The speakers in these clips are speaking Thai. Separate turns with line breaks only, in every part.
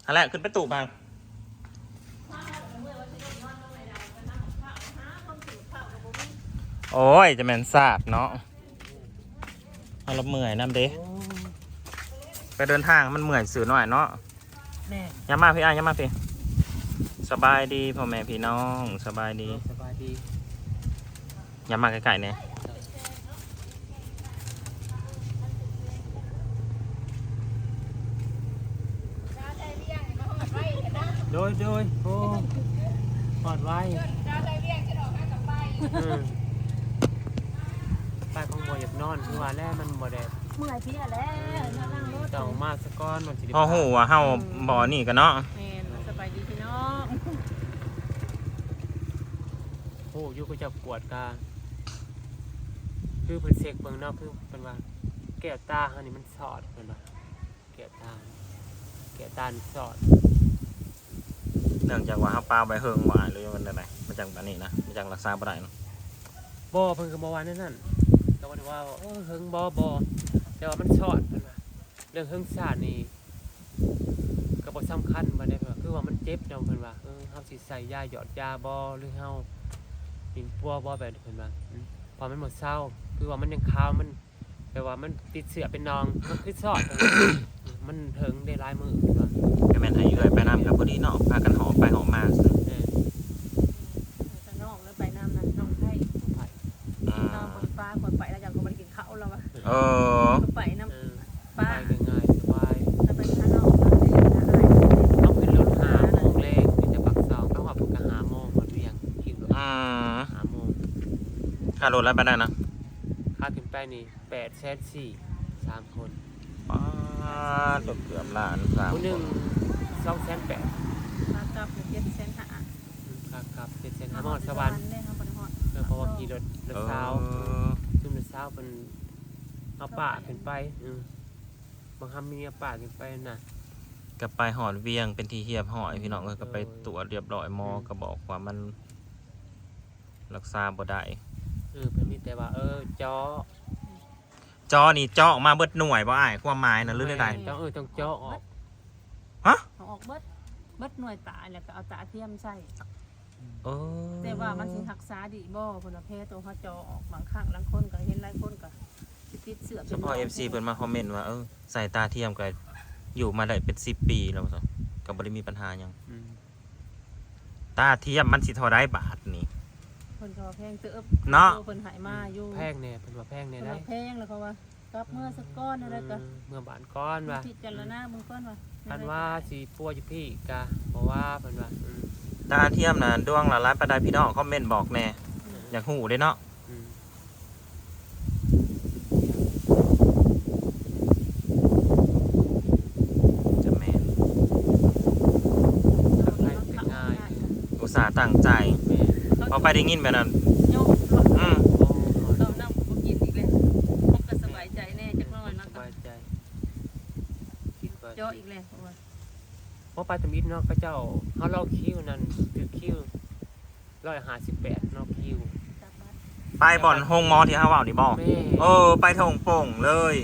อะไรขึ้นไปตู่มาโอ้ยจะแม่นสาบเนาะเอาเราเมื่อยน้ำเด้ไปเดินทางมันเมื่อยสื่อหน่อยเนาะยามาพี่ยามาพี่สบายดีพ่อแม่พี่น้องสบายดียามาไกลๆเนี่ย
โดยโอ้ปลอดไว้ไปของบ่อยากนอนคือว่าแล้วมันบ่ได้
เมื่อยพี่แล้วนั่งรถ
ต้องมาสะก้อนมันสิ
พ่อหูว่าเฮาบ่อนี่กันเนาะ
แม่นสบายดีพี่น้อง
โอ้อยู่ก็จะปวดกาคือเพิ่นเสกเบิ่งเนาะคือเพิ่นว่าแก้วตาเฮานี่มันสอดเพิ่นว่าแก้วตานี่สอด
เนื่องจากว่าเฮาปลาใบเฮิงว่าหรือมันอะไรมาจากแบบนี้นะมาจากรักษาบ่ได้เนาะ
บ่เพิ่นก็บ่ว่านั่นแต่ว่าเฮิงบ่แต่ว่ามันสอดเพิ่นว่าเรื่องเฮิงชาตินี่ก็บ่สำคัญบ่ได้คือว่ามันเจ็บเนาะเพิ่นว่าเฮาสิใส่ยาหยอดยาบ่หรือเฮากินปัวบ่แบบเพิ่นว่าพอมันหมดเศร้าคือว่ามันยังคาวมันแปลว่ามันติดเสือเป็นนองมันคือสอดมันเถิงได้หลายมื้อเพิ่นว่า
ก็แม่นให้เอื้อยไปน้ำกับพอดีเนาะพากันหอมไปหอมมาซื่อ
น้องแล้วไปน้ำนั้นน้องไทยน้องคนฟ้าคนไปแล้วจากคนไปกินข้าวแล้ววะไปน้ำป้า
ง่ายสบาย
จะไปข้างนอก
ต้องขึ้นรถ5 โมงแรกที่จะปักเสาต้องว่าปก5 โมงหมดเรียงขี่รถ5 โมง
ค่ารถแล้วไปได้นะ
ค่าขึ้นไปนี่800,000 3 คน
เกือบล้าน3
คนหนึ่ง280,000
มากลับ700,000
ครับ700,000หมดสวรรค์เพราะว่าขี่รถเช้าซึ่งรถเช้าเป็นเอาป่าขึ้นไปบางคำมีเอาป่าขึ้นไปน่ะ
ก็ไปหอดเวียงเป็นที่เฮียบหอยพี่น้องก็ไปตรวจเรียบร้อยหมอก็บอกว่ามันรักษาบ่ได้
เพิ่นมีแต่ว่า
จอนี่เจาะมาเบิดหน่วยบ่อ้ายความหมายน่ะหรือใด
ๆต้องเจาะออก
ฮะ
ออกเบิดหน่วยตาแล้วก็เอาตาเทียมใส่แต่ว่ามันสิรักษาดีบ่เพิ่นว่าแพ้ตัวเขาจอออกบางครั้งบางคนก็เห็นหลายคนก็ติดเสื้อ
เฉพาะ FC เพิ่นมาคอมเมนต์ว่าใส่ตาเทียมก็อยู่มาได้เป็น10 ปีแล้วก็บ่ได้มีปัญหาหยังตาเทียมมันสิเท่าใดบาทนี่
เพิ่นก็แพงเติบ
เนาะ
เพิ่นหายมาอยู่
แพงแน่เพิ่นว่าแพงแน่ได้
แพงแล้วเขาว่ากับเมื่อสักก้อนอะไรก็
เมื่อบานก้อนว่า
พิจารณามึงก้อนว่า
คันว่าสิปัวอยู่พี่กะเพราะว่าเพิ่นว่า
ตาเทียมน่ะดวงละล้านปานใดพี่น้องคอมเมนต์บอกแน่อยากฮู้เด้เนาะจะแม่นอุตส่าห์ตั้งใจพอไปได้ยินแบบนั้น
เขานำบ่กินอีกแล้วมันก็สบายใจแน่จักหน่อยนะ
สบายใจ
เจาะอีกแล้ว
เพราะไปตะมิดเนาะพระเจ้าเขาเล่าคิวนั่นคือคิว158เนาะคิว
ไปบ่อนโฮงมอที่เฮาเว้านี่บ่ไปทงโป่งเลย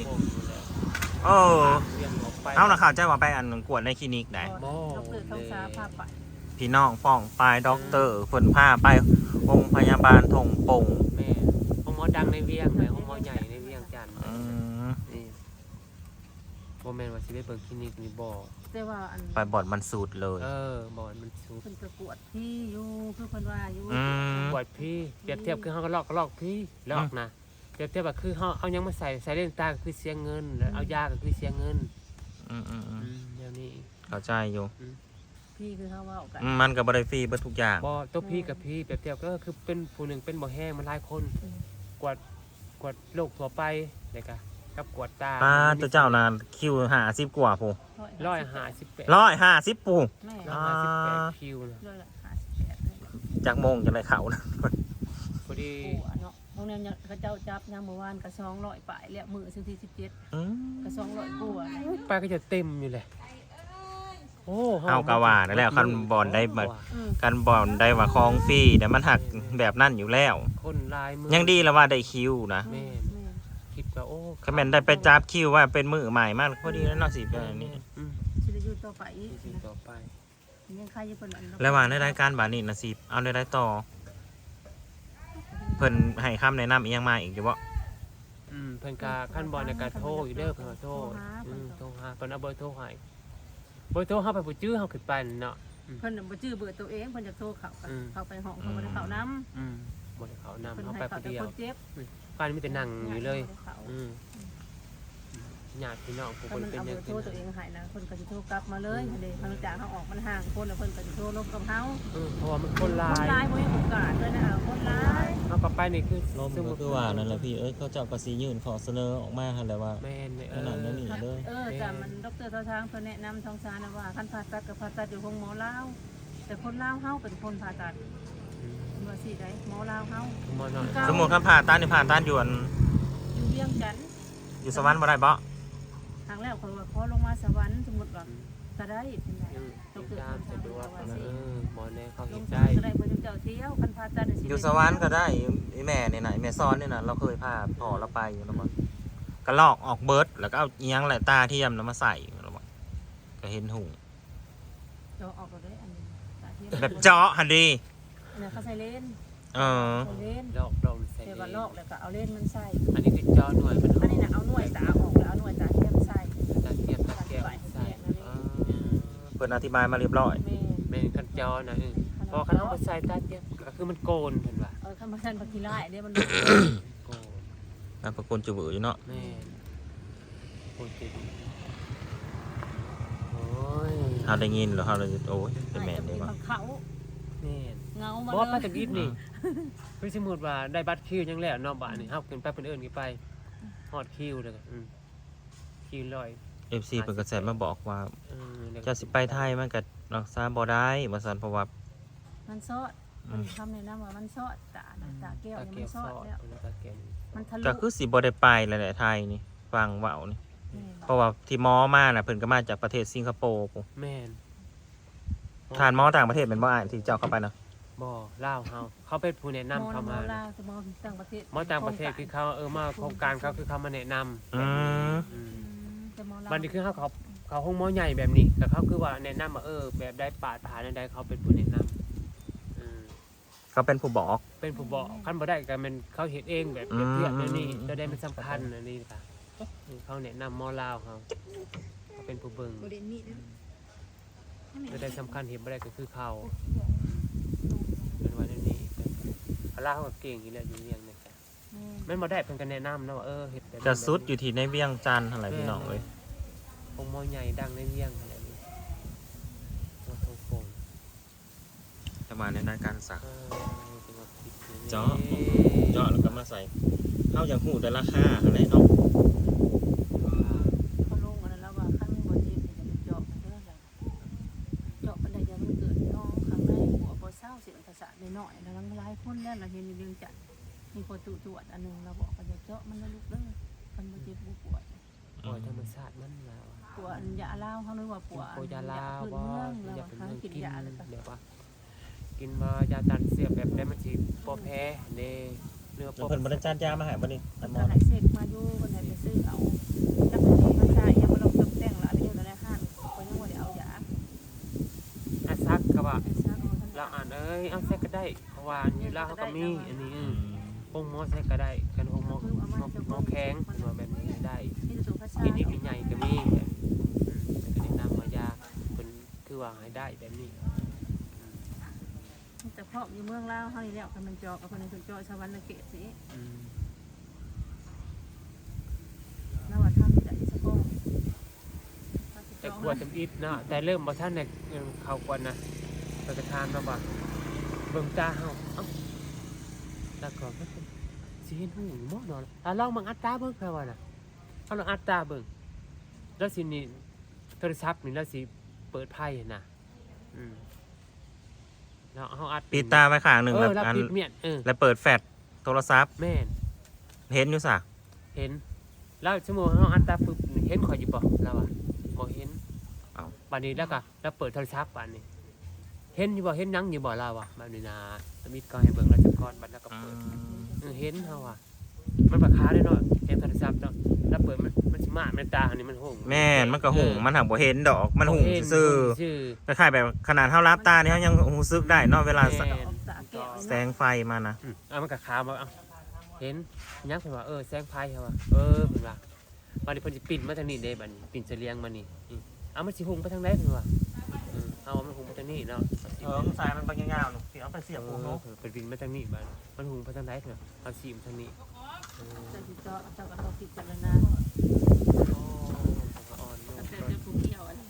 เอาน่ะข่าวใจว่าไปอันกวดในคลินิกได้
ดร.ท้องฟ้าพาไป
พี่น้องป้องไปด็อกเตอร์เพิ่นพาไปโรงพยาบาลทงโป่ง
แม่ห้องหมอดังในเวียงแม่ห้องหมอใหญ่ในเวียงจันทน์นี่บ่แม่นว่าสิไปเปิดคลินิกนี่บ่
แต่ว่าอัน
ไปบ่อนมันสูดเลย
บ่อนมันสูด
เพิ่นประกวดพี่อยู่คือเพิ่นว่าอยู่
ปวดพี่เปรียบเทียบคือเฮาก็ลอกพี่ลอกนะเปรียบเทียบว่าคือเฮาเอายังมาใส่เลนส์ตาก็คือเสียเงินแล้วเอายาก็คือเสียเงินเดี๋ยวนี้
เข้าใจอยู่
พี่คือเขาว่าออกกัน
มันก็บ่ได้ฟรีเบิดทุกอย่าง
บ่ตัวพี่กับพี่เปรียบเทียบก็คือเป็นผู้หนึ่งเป็นบ่แห้งมันหลายคนกวดโรคทั่วไปเลยกะกับกวดตา
ตัวเจ้าน่ะคิว50กว่าผู้150ผู้
158คิวนะ
จากโมงจังได๋เข้านะ
พอดี
เนาะโรงแรมเขาเจ้าจับยามเมื่อวานก็200ปลายแล้วมื้อที่17ก็200กว่า
ไปก็จะเต็มอยู่แหละ
เอากะว่านั่นแหละคันบอลได้มากันบอลได้ว่าคลองฟรีแต่มันหักแบบนั่นอยู่แล้ว
คนลายมือ
ยังดีแล้วว่าได้คิวนะ
คิดว่า
คอมเมนต์ได้ไปจับคิวว่าเป็นมือใหม่มากพอดีแล้วเนาะสิแบบนี้
สิได้อยู่ต่อต่อไปอีก
สิ่งต่อไป
ยังใครจะเพิ่นอัน
ระหว่างในรายการบานี่นะสิเอาได้ต่อเพิ่นให้คำแนะนำอีกยังมาอีกอยู่บ่
เพิ่นก็ขั้นบอลในการโทรอยู่เด้อเพิ่นก็โทรโทรหาเพิ่นเอาเบอร์โทรให้เบอร์โทรเฮาไปบ่จื้อเฮาขึ้นไปเนาะ
เพิ่นบ่ชื่อเบอร์ตัวเองเพิ่นจะโทรเข้าไปห้องเขาบ่ได้เข้านำ
บ่ได้เขานำ
เพิ่น
เฮา
ให้
ไป
เขา
ผู้
แต่
เดีย
คว นเจ็บ
การมีแต่นั่งอยู่เลยญาติพี่น้องผู้
ถ้า
คน
มัน
เป็น
เอา
ห
เบ
ยั
อง ร์โทรตัวเองหายนะเพิ่นก็สิโทรกลับมาเลยเด้ทางจากเฮาออกมันห่างคนแล้วเพิ่นก็สิโทรลบกับเฮา
เพราะว่ามันคนหลา
คนหลาย
ย
บ่มีโอกาสเลยนะคนหลาย
เฮากลับไปนี่คือ
ลมก็คือว่านั่นแหละพี่เขาเจ้าก็สิยื่นขอเสนอออกมาหั่นแหละว่า
แม่น
ขนาดนั้นนี่เลย
แต่มันดร.ทางเพิ่นแนะนำทางสารนะว่าคันผ่าตัดก็ผ่าตัดอยู่ห้องหมอลาวแต่คนลาวเฮาเป็นคนผ่าตัดว่าสิได้หมอลาวเฮา
หมอน้อย
สมมุติคำผ่าตัดนี่ผ่าตัดอยู่อัน
อยู่เวียงจันทน์
อยู่สวรรค์บ่ได้บ่
ทางแล้วคนว่าขอลงมาสวรรค์สมมุติว่าก็ได้เป็นไง
ตามสะดวกหมอแน่เขา
ล
เห็
ง
น
สวร
ได้
รค์ก็ได้เพิ่นเจ้าเที่ยวคันผ่าตัด
อยู่สวรรค์ก็ได้ไอ้แม่นี่น่ะไอ้แม่ซ้อนนี่น่ะเราเคยพาพ่อเราไปอยู่แล้วบ่ก็ลอกออกเบิดแล้วก็เอาอีหยังแหละตาเทียมแล้วมาใส่แล้วบ่ก็เห็นหู
เจาะออกก็ได้อันนี้ตาเทียม
แบบเจาะหั่นดิ
อันนี้เขาใส่เลน
เออ
ใส่เลน
ลอกลองใส่
แต่ว่าลอกแล้วก็เอาเลนมันใส่
อันนี้คือจอหน่วยมัน
อันนี้น่ะเอาหน่วยตาออกแล้วเอาหน่วยตาเทียมใส่
ตาเทียบตาแก้วใส่
เพิ่นอธิบายมาเรียบร้อย
แม่
เป็นคันจอนะพอคันเอาไปใส่ตาเทียบก็คือมันโกนเพิ่นว่า
คันบ่ทันบ่ขี้ร้ายเด้มัน
โกน
นามสกุลจุบืออยู่เนาะ
แม่โกนจริงโอ้ย
เฮาได้ยินแล้วเฮาเลยโอ้ยเป็นแม่นได้บ่
เขา
แม่น
เงามา
บ่ไป
เลย
จากอีฟนี่คือสมมุติว่าได้บัตรคิวยังแล้วเนาะบ้านนี่เฮาขึ้นไปเพิ่นเอิ้นกี่ไปฮอดคิวเด้อคิวร้อย
FC เพิ่นก็แซดมาบอกว่า
แล้วก็
เจ้าสิไปไทยมันก็รักษาบ่ได้ว่าซั่นเพราะว่า
มันซอดมันทำในน้ำว่ามันซอดตาแก้ว
ตา
เนี่ย
แก้
มัน
ว
ซ
ซ
อ
อ
ด
ด
แล้ว
ตาแก้ว
มันทะลุ
ก็คือสิบ่ได้ไปแหละไทยนี่ฟังเว้านี่เพราะว่าที่หมอมาน่ะเพิ่นก็มาจากประเทศสิงคโปร์พุ่น
แม่น
ทานหมอต่างประเทศเป็นบ่อ่านที่เจ้าเข้าไปนะ
บ่ลาวเฮาเขาเป็นผู้แนะนำเข้ามา
ลาวจะมองต่างประเทศ
หมอต่างประเทศคือเขามาโครงการเขาคือเขามาแนะนำ
อืม
แต่มองลาว
มันนี่คือเขาห้องหมอใหญ่แบบนี้แต่เขาคือว่าแนะนำว่าแบบได้ปาดผ่านใดเขาเป็นผู้แนะนำ
เขาเป็นผู้บอก
เป็นผู้บอกขั้นบ่ได้ก็เป็นเขาเห็นเองแบบเปรียบเทียบนี่จะได้มันสำคัญอันนี้ค่ะเขาแนะนำหมอลาวเขาเป็นผู้เบิ่งจะได้สำคัญเห็นบ่ได้ก็คือเขาเป็นวันนี้ลาวก็เก่งอยู่แล้วอยู่เรียงนี่จ้ะมันบ่ได้เพิ่นก็แนะนำนะว่าเฮ็ดแบบ
จะสุดอยู่ที่ในเวียงจันทน์อะไรพี่น้องเอ้ย
องค์หมอใหญ่ดังในเวียงอะไรนี่หมอทงคง
จะมาในรายการสัก
จังหวัดพิษณุ
เจาะเจาะแล้วก็มาใส่เข้าอย่างหูแต่ราคาอะไรเนาะ
เขาลงอันนั้นแล้วว่าขั้นบนเจ็บจะเจาะมันเด้อเจาะมันได้ยังมันเกิดน้องข้างในหัวบ่เศร้าเสียงภาษาในหน่อยแล้วหลายคนแล้วเราเห็นเรื่องจัดมีคนตรวจอันนึงเราบอกว่าจะเจาะมันแล้วลูกเด้อคันบ่เจ็บบ่ปวด
ปล่อยธรรมชาติมันแล้ว
ปวดยาลาวเขานึกว่าปวด
โอยาลาว
พื้น
ว่า
เมือง
อ
เรา
ยากเป็น
หา
เมือง
กิน
กิน
ยาเลยก็
เดี๋ยวว่ากินมายาตันเสียบแบบได้มันสิบ่แพ้เด้เนื้อ
เพิ่นบริจาคยามาให้บ่นี่
มัน
หม
ก็
อ
หายเสกมาอยู่คนไหนไปซื้อเอาจักรีมาใช้ยังมาลงตกแต่งละไปอยู่ในห้างคนยังว่าได้เอายา
อาซักก็ว่า
ไอ้ซักเอาท่าน
เราอ่านเอาใส่ก็ได้เพราะว่าอยู่ลาวเขาก็มีอันนี้องค์หมอใส่ก็ได้กันองค์หมอแข็งว่าแบบนี้ได้
นี่จะตัวพระชา
กินอีกใหญ่ก็มีแบบก็ได้นำมายาเป็นคือว่าให้ได้แบบนี้
แต่เพาะอยู่เมืองลาวเฮานี่แล้วคันมันเจาะกับคนนึงเจาะชาววันเกตสินว่าทำได้สักก้อน
แต่กลัวจำอิดเนาะแต่เริ่มบ่ท่านเนี่ยเขากวนนะไปกระทานมาบ่เบิ่งตาเฮาแล้วก็มันเป็นสิเห็นหูหมอเนาะลองมังอัดตาเบิ่งแค่ว่าน่ะเอาลองอัดตาเบิ่งแล้วสินี่โทรศัพท์นี่แล้วสิเปิดไพ่น่ะแล้วเฮาอัด
ปิดตาไว้ข้างหนึงแบบ
แล้ว
อัน
ปิดเมียน
แล้วเปิดแฟลชโทรศัพท์
แม่น
เห็นอยู่ซะ
เห็นแล้วชั่วโมงเฮาอัดตาปึ๊บเห็นข่อยอยู่บ่แล้วอ่ะบ่เห็น
เอ้า
บัดนี้แล้วก็แล้วเปิดโทรศัพท์บัดนี้เห็นอยู่บ่เห็นหยังอยู่บ่เราอ่ะบัดนี้นะมิดก็ให้เบิ่งแล้วจักก่อนบัดแล้วก็เปิดเห็นเฮาอ่ะมันราคาได้เนาะเห็นโทรศัพท์เนาะแล้วเปิดมันสิมาในตาอันนี้มันหง
แม่นมันก็หุ่งมันหักบ่เห็นดอกมันหุ่งซื่อ
ชื่อ
ๆคล้ายๆแบบขนาดเท่ารับตาเนี่ยเขายังรู้สึกได้เนาะเวลา
แม่
ออกสาแก้ว
แสงไฟมานะ
มันกับขาวมาเห็นยักษ์เพิ่นว่าแสงไฟเหรอวะเพิ่นว่าบัดนี้เพิ่นสิปิ่นมาทางนี้เด้บัดนี้ปิ่นเสลียงมานี่มันสิหุงไปทางใดเพิ่นว่าเอามันหุงไปทางนี้เนาะ
สายมันบางยาวๆสิเอาไปเสียบหูเนาะ
เป็นปิ่นมาทางนี้บัดมันหุงไปทางใดเพิ่นเอาสีมาทางนี้
จะสิเจาะเจ้าก็ต้องพิจารณา
อ่อน
ตั้งแต่เจอผู้เกี่ยวอัน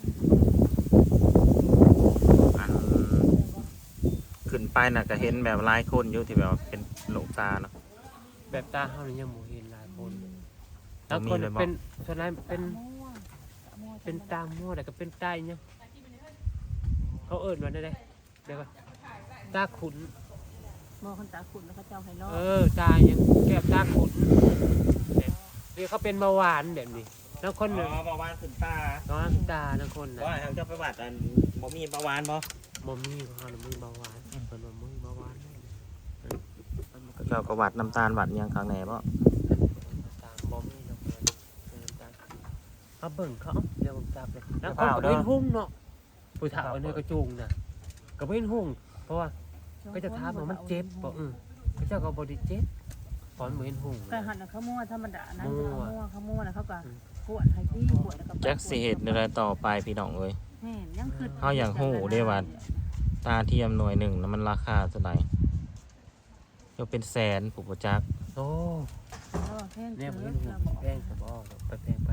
อันขึ้นไปน่ะก็เห็นแบบหลายคนอยู่ที่แบบว่าเป็นโรคตาเนาะ
แบบตาเฮานี่ยังบ่เห็นหลายคนแล้วคนเป็นส่วนใหญ่เป็นตามั่วแต่ก็เป็นตาอีหยังเขาเอิ้นว่าได้เดี๋ยวก่อนตาขุน
มองคนตาขุ่นแล้วเขาเจ้าให้รอด
ตายังแก้ตาขุนเรียกเขาเป็นเบาหวานแบบนี้แล้วคนหนึ่ง
เบาหวานขึ้นตา
น้องตาแล้วคนน่ะ
ว่าทางเจ้าไปวัดอันบ่มีเบาหวานบ่
บ่มีเขาน่ะมือเบาหวานเพิ่นว่ามือเบาหวาน
เจ้าก็วัดน้ำตาลวัดหยังข้างในบ่
ตามบ่มีดอกตาเขาเบิ่งเขาเดี๋ยวผมจับเลยแล้วเขาก็เป็นหุ่งเนาะผู้เฒ่าอันนี้ก็จูงน่ะก็เป็นหุ่งเพราะว่าก็จะถามว่ามันเจ็บบ่เขาเจ้าก็บ่ได้เจ็บตอนบ่เห็นหุ่ง
แต่หันเขามั่วธรรมดานะเขามั่วแล้วเขาก็ปวดให้พี่ปวดแล้วก็
จักสิเฮ็ดอะไรต่อไปพี่น้องเอ้ย
แม่ยังคือ
เฮาอยากฮู้เด้ว่า ตาเทียมหน่วยหนึ่งนะมันราคาเท่าไหร่ยกเป็นแสนผู้บ่จัก
โอ้
แพง
เนี่ยบ่
เกิ
เห็
น
นหุ่งแพงก็บ่ไปแพงไป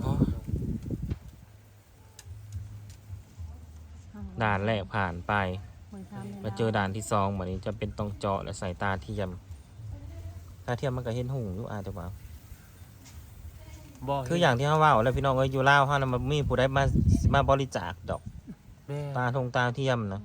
ด่านแรกผ่านไปมาเจอด่านที่2บัดนี้จะเป็นต้องเจาะและใส่ตาเทียมตาเทียมมันก็เห็นหุ่งอยู่อาจจะว่า
บ่
คืออย่างที่เฮาเว้าแล้วพี่น้องเอ้ยอยู่ลาวเฮาน่ะมันมีผู้ใดมาบริจาคดอก
แม่
ตาเทียมนะ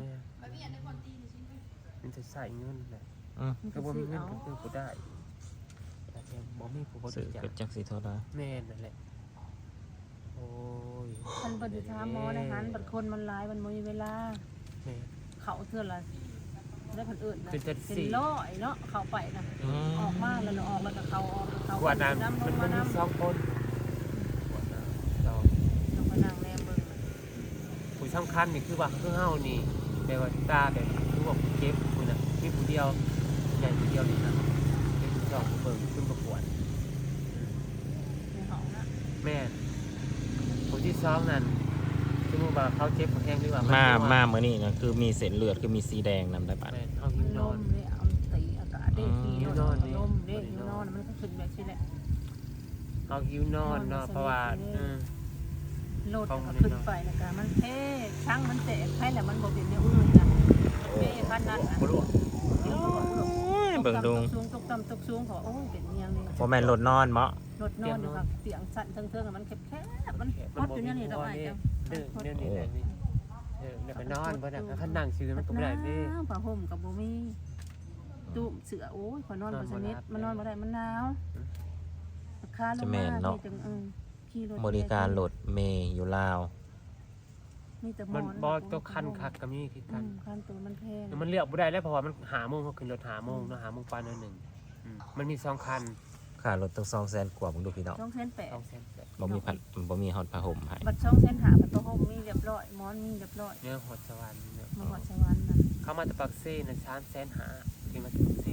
มันจะใส่เงินแหละ
ก็
ก็
บ่
บ่
มี
มีเงิ
เงิ
น
น
ก็คือบ่ได้แต่แกบ่มีผู้บ
ซื้อ
ริจาค
ก็จักสิเท่าใด
แม่นั่นแหละโอ้ย
มันปฏิทามหมอนะฮันบัดคนมันหลายมันบ่มีเวลา
แม่
เขาเทื่อละได้คนอื่นนะ
เป็นจัด
เป็น
สี่
ร้อยเนาะเขาไปนะออกมาแล้วออกแล้วก็เขาออกแล้วเขา
กว่านั้น
น้ำล
มัน
งมา
มี
น้ำ
สองคนกว่านั้นเรา
เราก็นั่งแนมเบิ่ง
ผู้สำคัญนี่คือว่าคือเฮานี่แบบว่าตาแบบคือว่าผู้เจ็บผู้น่ะมีผู้เดียวใหญ่ผู้เดียวนี่นะเป็นผู้สองผู้เบิ่งขึ้นประกวด
ในห้องนะ
แม่ผู้ที่สองนั่นสมมุติว่าเขาเจ็บเขาแห้งหรือว่า
มา
มา
มามื้อนี้นะคือมีเส้นเลือดคือมีสีแดงนำได้ปะ
แม่เฮาหิวนอน
เลยเอาตีอากาศได้ทีนอนลมได้หิวนอนมันก็ขึ้นแบบนี้แหละ
เฮาหิวนอนเนาะเพราะว่า
โลดก็ขึ้นไปแล้วก็มันเท่ช่างมันแตกให้แหละมันบ่เป็นแนวอื่นนะเท่ขนาดนั้น
บ่รู้
เบิ่งดู
สูงตกต่ำตกสูงขอโอ้เป็นเมียงเลย
บ่แม่นรถนอนเมาะ
รถนอนอยู่ค่ะเตียงสั่นเทิงๆมันแคบๆมันพอดอยู่เนี่ยนี่ดอกไม้จัง
เดี๋ยวนี้แบบนี้เดี๋ยวไปนอนบ่ได้คันนั่งซื้อมันก็บ่ได้เด้
ผ้าห่มกับบ่มีตู้เสือโอ้ยขอนอนบ่สนิทมันนอนบ่ได้มันหนาวราคาลงมานี่จังขี่รถ
บริการรถเมย์อยู่ลาว
มีแต่หม
มั
อน น
บ่ตัวคันคักก็มีคือกัน
คันตัวมันแพง
มันเลือกบ่ได้แล้วเพราะว่ามันหาโมงเขาขึ้นรถหาโมงเนาะหาโมงปานนึงมันมี2คัน
ค่ารถตั้ง200,000กว่าผมดูพี่น้อง
2,800
บ่มีบ่มีฮอดผ้าห่มให้
บัด2,500บัดตัวห่มมีเรียบร้อยหมอนมีเรียบร้อย
เนี่ยหอดสวรรค์เนี่ย
มาหอดสวรรค์น่ะ
เข้ามาจากปักเซ่นะ350,000ที่มาจากปักเซ่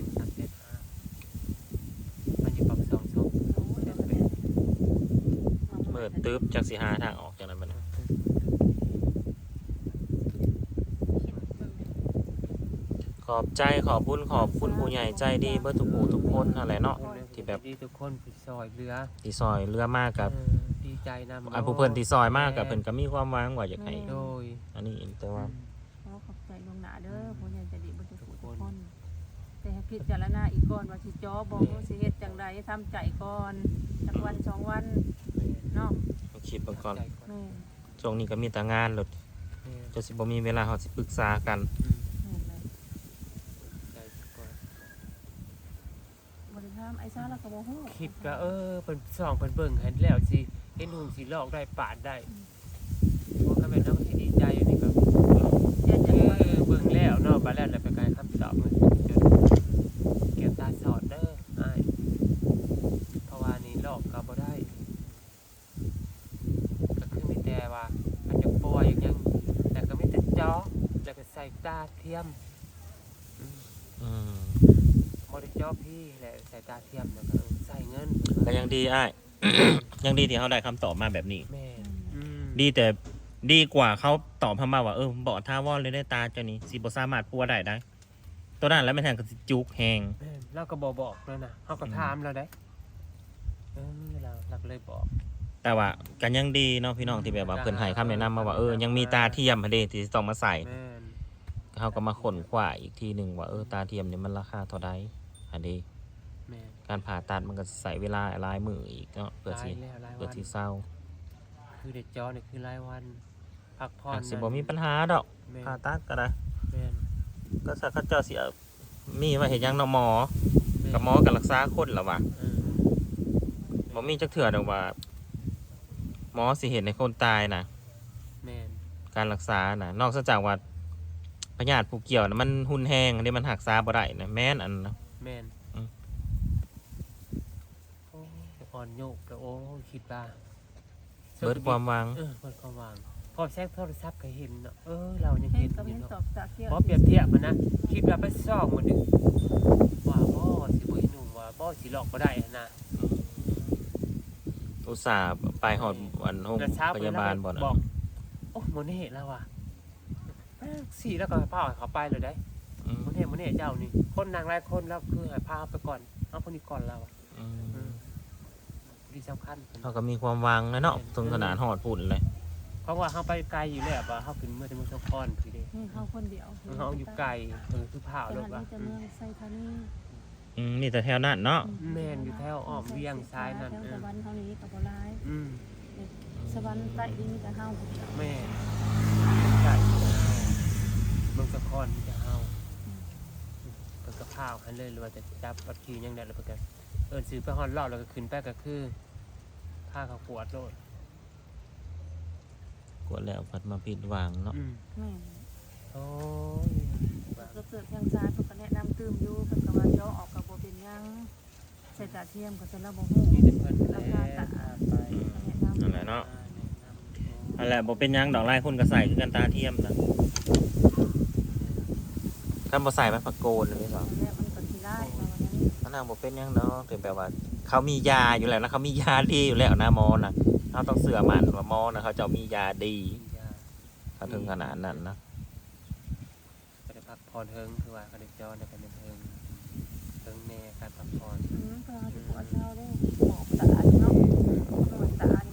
350,000มันอยู่ปัก2 2
โอ้ยเดี๋ยวก็แม่
เปิดตึ๊บจักสิหาทางออกจากนั้นบัดนี้ขอบใจขอบคุณผู้ใหญ่ใจดีเบิดทุกผู้ทุกคนนั่นแหละเนาะที่แบบ
ดีทุกคนผู้ซอยเรือ
ที่ซอยเรือมากกับ
ดีใจนำ
อันผู้เพิ่นที่ซอยมากกับเพิ่นก็มีความหวังว่าอยากให้
โดย
อันนี้แต่ว่า
ขอบใจลวงหน้าเด้อผู้ใหญ่ใจดีเบ่ทุกคน แต่ให้พิจารณาอีกก่อนว่าสิจ่อบ่สิเฮ็ดจังไดทำใจก่อนจักวัน2วันเนาะ
คิดเบิ่งก่อน
แม่
ช่วงนี้ก็มีแต่งานรถจะสิบ่มีเวลาเฮาสิปรึกษากัน
แม่เลยบ่ได้ถามไอ้ซ่าแล้วก็บ่ฮู้
คิดก็เป็นส่องเป็นเบิ่งให้แล้วสิเห็นหุ่นสิลอกได้ปาดได้พวกก็เป็นน้องที่ดีใจอยู่นี่ก็
อยากจะ
เบิ่งแล้วเนาะบาแล้วแล้วไปกายคำตอบมันเก็บตาสอดเด้ออ้ายเพราะว่านี่ลอกก็บ่ได้าะแล้วก็ใส่ตาเทียม
อืม
บ่ได้เจาะพี่แหละใส่ตาเทียมแล้วก็ใส่เงิน
ก็ยังดีอ้าย ยังดีที่เขาได้คำตอบมาแบบนี้
แม่น
ดีแต่ดีกว่าเขาตอบมาว่าบอกท่าวอนเลยได้ตาเจ้านี้สิบ่สามารถปัวได้ได้ ตัวนั้นแล้วไม่แทนก็สิจุกแหง
แม่นเราก็บอกแล้วนะเฮาก็ถามเราได้เราก็เลยบอก
แต่ว่ากันยังดีเนาะพี่น้องที่แบบว่าเพิ่นให้คำแนะนำมาว่ายังมีตาเทียมหั่นเด้ที่ต้องมาใส่
แม่น
เขาก็มาค้นคว้าอีกทีหนึงว่าตาเทียมนี่มันราคาเท่าใดอันนี้
แม่น
การผ่าตัดมันก็ใส่เวลาหลายมื้ออีกเนาะเพื่อสิ
หลาย
เพื่อ
วัน
สิเศร้า
คือเด็กจอนี่คือรายวันพักผ่อน
อาจสิบ่มีปัญหาดอก
แม่น
ผ่าตัดก็ได้
แม่น
ก็สักเขาเจ้าสิเอามีไว้เฮ็ดหยังเนาะหมอกับหมอก็รักษาคนล่ะว่ะ
เออ
บ่มีจักเทื่อดอกว่า หมอสิเห็นในคนตายน่ะ
แม่น
การรักษาน่ะ นอกจากว่าพยาธิผู้เกี่ยวน่ะมันหุนแฮงอันนี้มันรักษาบ่ได้นะแม่นอันนะ
แม่น
อืม
โอ้ยอ่อนโยกแล้วโอ้ยคิดว่า
เบิดความหวัง
เบิดความหวังพอแซกโทรศัพท์ก็เห็นเนาะเรายัง
เฮ็
เห็
ด
น
ก็
อ
เห็
ยู่
น
เนาะ
ตอบตาเกี่ยว
พอเปรียบเทียบมันนะคิดว่าไปซ่องมันนึงว่าบ่สิบ่หนุ่มว่าบ่สิหลอกบ่ได้นะ
อุตส่าห์ไปหอดวันโรง
แต่เช้า
พยาบาลบ่
บ
น่ะ
อกโอ้โมเน่แล้วว่ะสี่แล้วก็พาเขาไปเลยได้
อืม
โมเน่เจ้านี่คนนางหลายคนแล้วคือให้พาไปก่อนเอาคนนี้ก่อนแล้วอะ
อืม
ดีสำคัญ
เขาก็มีความหวังนะเนาะถึงขนาดหอดพุ่นเลย
เพราะว่าเขาไปไกลอยู่แล้วว่าเขาขึ้นเมื่อที่เมืองสกลพี่เด้
นี่เฮาคนเดียว
เขาอยู่ไกลคือพา
แต่
ร
หั
ถ
น
ว่า
นี้จะเมืองไซธานี
นี่แต่แถวนั้นเนาะ
แม่นอยู่แถวอ้อมเวียงซ้ายนั่น
แถวสวรรค์เฮานี้ก็บ่หลาย
อืม
สวรรค์ใต้ดินมีแต่เฮาผู้เดียว
แม่ไกลเมืองสกลมีแต่เฮาเพิ่นก็พาให้เลยหรือว่าจะจับบัตรคิวยังได้แล้วเพิ่นก็ซื้อไปฮอดรอบแล้วก็ขึ้นไปก็คือพาเขากวดโลด
กดแล้วพัดมาผิดหวังเนาะ
แม่น
โอ้ย
ก็เกิดทางซ้ายเพิ่นก็แนะนำตื่มอยู่เพิ่นก็ว่าเจาะออกก็บ่เป็นหยังใส่ตาเทียมก็จะระบ่ฮู้
มีแต่เพิ่น
ราคาตาไปแนะนำ
นั่นแหละเนาะนั่นแหละบ่เป็นหยังดอกไล่คนก็ใส่คือกันตาเทียมนะคันบ่ใส่มันปะโกนเลยสอง
แล้วมันก็สิได้ว่าวันนั้น
อันนั้นบ่เป็นหยังเนาะถึงแบบว่า เขามียาอยู่แล้วนะเขามียาดีอยู่แล้วนะหมอนะเราต้องเสือมันว่าหมอนะเขาจะมียาดีเขาถึงขนาดนั้นนะ
ก็ได้พักผ่อนเฮิงคือว่าก็ได้จอในกันเฮิงแน่การพักผ่อน
เพิ่นสิปวดเช้าได้หมอกตาเนาะตรวจตา